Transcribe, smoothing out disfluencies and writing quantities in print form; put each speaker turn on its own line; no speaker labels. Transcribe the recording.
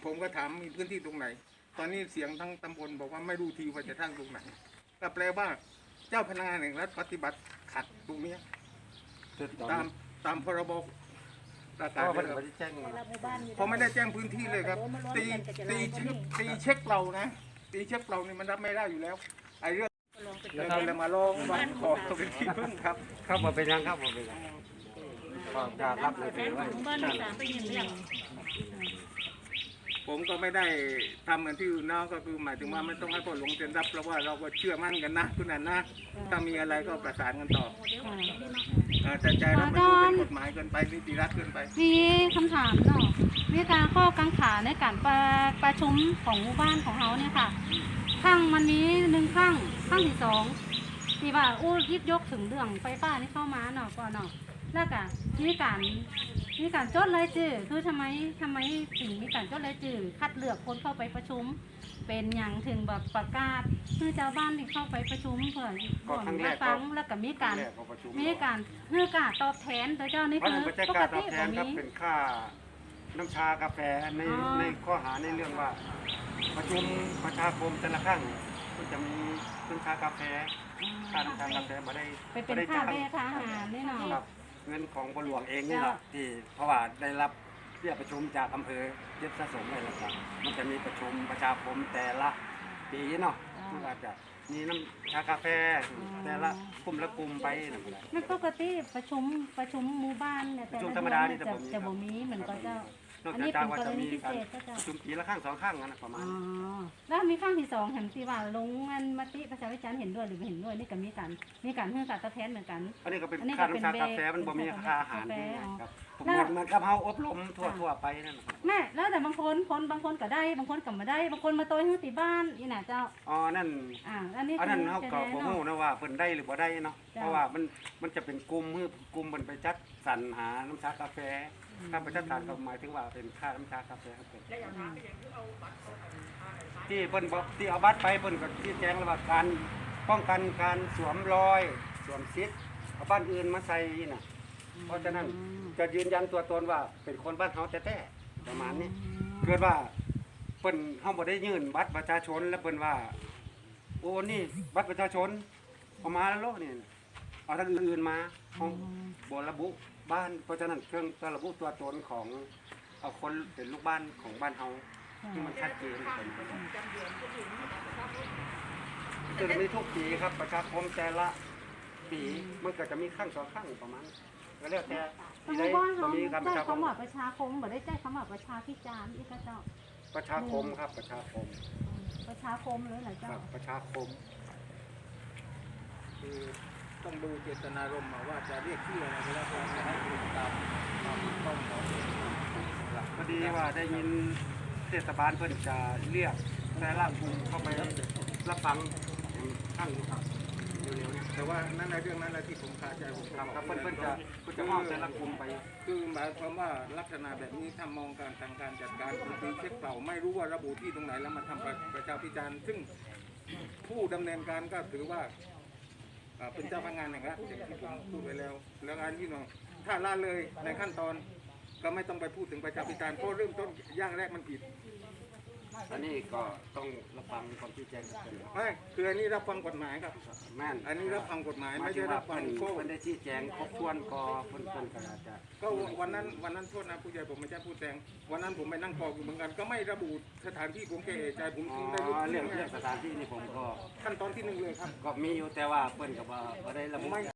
ผมก็ถามมีพื้นที่ตรงไหน ตอนนี้เสียงทั้งตำบลบอกว่าไม่รู้ทีว่าจะทั้งตรงไหนก็แปลว่าเจ้าพนักงานแห่งรัฐปฏิบัติขัดตรงนี้ตามพรบประกาศเลยครับผมไม่ได้แจ้งพื้นที่เลยครับตีเช็คเรานะตีเช็คเรานี่มันรับไม่ได้อยู่แล้วไอ้เรื่องเรามาลองวางขอเป็นที่พึ่งครับ
ครับผมเป็นยังครับผมเป็นยังก็จะรับเลยถือไว้
ผมก็ไม่ได้ทำเหมือนที่อื่นนะก็คือหมายถึงว่าไม่ต้องให้พ่อหลวงเซ็นรับเพราะว่าเราก็เชื่อมั่นกันนะคุณนันนะถ้ามีอะไรก็ประสานกันต่อแต่ใจเราไม่รู้เป็นกฎหมายเกินไปนิติรัฐเกินไป
มีคำถามเนาะมีการข้อกังขาในการประชุมของหมู่บ้านของเขาเนี่ยค่ะข้างมันมี1ข้างที่2ที่ว่ายิบยกถึงเรื่องไฟฟ้านี่เข้ามาเนาะก่อนเนาะแล้วก็มีการจดรายชื่อคือทำไมถึงมีการจดรายชื่อคัดเลือกคนเข้าไปประชุมเป็นอย่างถึงแบบประกาศคือชาวบ้านที่เข้าไปประชุมเพื่อก่อนมาฟังแล้วก็มีการเพื่อการตอบแทนแต่เจ้านี่คือปกติแบบนี้
เป็นค่าน้ำชากาแฟในข้อหาในเรื่องว่าประชุมประชาคมแต่ละครั้งก็จะมีน้ำชากาแฟค่าน้ำชากาแฟมาได้
เป็นค่าเบี้ยทหารนี่เนาะ
เงินของบหลวงเองนี่แหละที่เพราะว่าได้รับเรียกประชุมจากอำเภอเย็บสะสมอะไรต่างๆมันจะมีประชุมประชาคมแต่ละปีเนาะมันอาจจะมีน้ำชากาแฟแต่ละกลุ่มไปนั่นแหละ
ไม่ปกติประชุมหมู่บ้านเนี่ยแต่
ธรรมดานี่
จะบ่มีเหมือนก็เจ้า
อันนี้เป็นกรณีพิเศษก็จะประชุมปีละครั้ง2 ครั้งนะประมาณ
แล้วมีครั้งที่2เห็นที่ว่าลงเงินมติประชาวิจารณ์เห็นด้วยหรือไม่เห็นด้วยนี่ก็มีการเพื่อการตอบแทนเหมือนกัน
อันนี้ก็เป็นค่าน้ำชากาแฟมันบ่มีค่าอาหารครับเหมือนกับเฮาอบรมทั่วไปนั่น
แม่แล้วแต่บางคนก็ได้บางคนก็ไม่ได้บางคนมาโตยให้ติบ้านอีน่ะเจ้า
นั่นอันนั้นเฮาก็บ่ฮู้นะว่าเพิ่นได้หรือบ่ได้เนาะเพราะว่ามันจะเป็นกลุ่มเพิ่นไปจัดสรรหาน้ำชากาแฟค่าประชาชนก็หมายถึงว่าเป็นค่าน้ำชากาแฟครับที่เพิ่นบอกที่เอาบัตรไปเพิ่นก็ชี้แจงแล้วว่าการป้องกันการสวมรอยสวมซิทธิ์เอาบ้านอื่นมาใส่น่ะเพราะฉะนั้นจะยืนยันตัวตนว่าเป็นคนบ้านเฮาแท้ๆประมาณนี้เกิดว่าเพิ่นเฮาบ่ได้ยื่นบัตรประชาชนแล้วเพิ่นว่าโอ้นี่บัตรประชาชนเอามาแล้วนี่เอาทางอื่นมาของบ่ระบุบ้านเพราะฉะนั้นเครื่องระบุตัวตนของเอาคนเป็นลูกบ้านของบ้านเฮาที่มันชัดเจนจะมีทุกปีครับประชาคมแต่ละปีมันก็จะมีครั้ง2 ครั้งประมาณก็แล้วแต่
ที่ได้มีการประชาคมประชาคมบ่ได้แจ้งคำว่าประชาพิจารณ์อีกเจ้า
ประชาคมครับประชาคม
เลยเหรอเจ้า
ประชาคม
คือต้องดูเจตนารมณ์ว่าจะเรียกชื่ออะไรก็แล้วแต่จะให้ตรงตามต้องขอ
พอดีว่าได้ยินเทศบาลเพิ่นจะเรียกแต่ละกลุ่มเข้าไปรับฟังข้างครับเร็วๆแต่ว่านั่นในเรื่องนั้นแหละที่ผมคาใจผมครับเพิ่นจะมองแต่ละกลุ่มไป
คือหมายความว่าลักษณะแบบนี้ถ้ามองการทางการจัดการคือเช็คเปล่าไม่รู้ว่าระบุที่ตรงไหนแล้วมาทำประชาพิจารณ์ซึ่งผู้ดำเนินการก็ถือว่าเป็นเจ้าพนักงานอย่างนั้นอย่างที่ผมพูดไปแล้วงานที่น้องถ้าละเลยในขั้นตอนก็ไม่ต้องไปพูดถึงประชาพิจารณ์เพราะเริ่มต้นย่างแรกมันผิด
อันนี้ก็ต้องรับฟังความชี้แจงกับคน
ไม่คืออันนี้รับฟังกฎหมายครับ
แม่น
อันนี้รับฟังกฎหมายไม่ใช่รับฟัง
โค้มันได้ชี้แจงครบถ้วนก็เพิ่นก็อาจจะ
ก็วันนั้นโทษนะผู้ใหญ่ผมไม่ใช่ผู้แทงวันนั้นผมไปนั่งกอกอยู่เหมือนกันก็ไม่ระบุสถานที่ผมเกะใจผมได้รู้
เรื่องสถานที่นี่ผมก็
ขั้นตอนที่1เลยครับ
ก็มีอยู่แต่ว่าเพิ่นก็บ่ได้ระบุ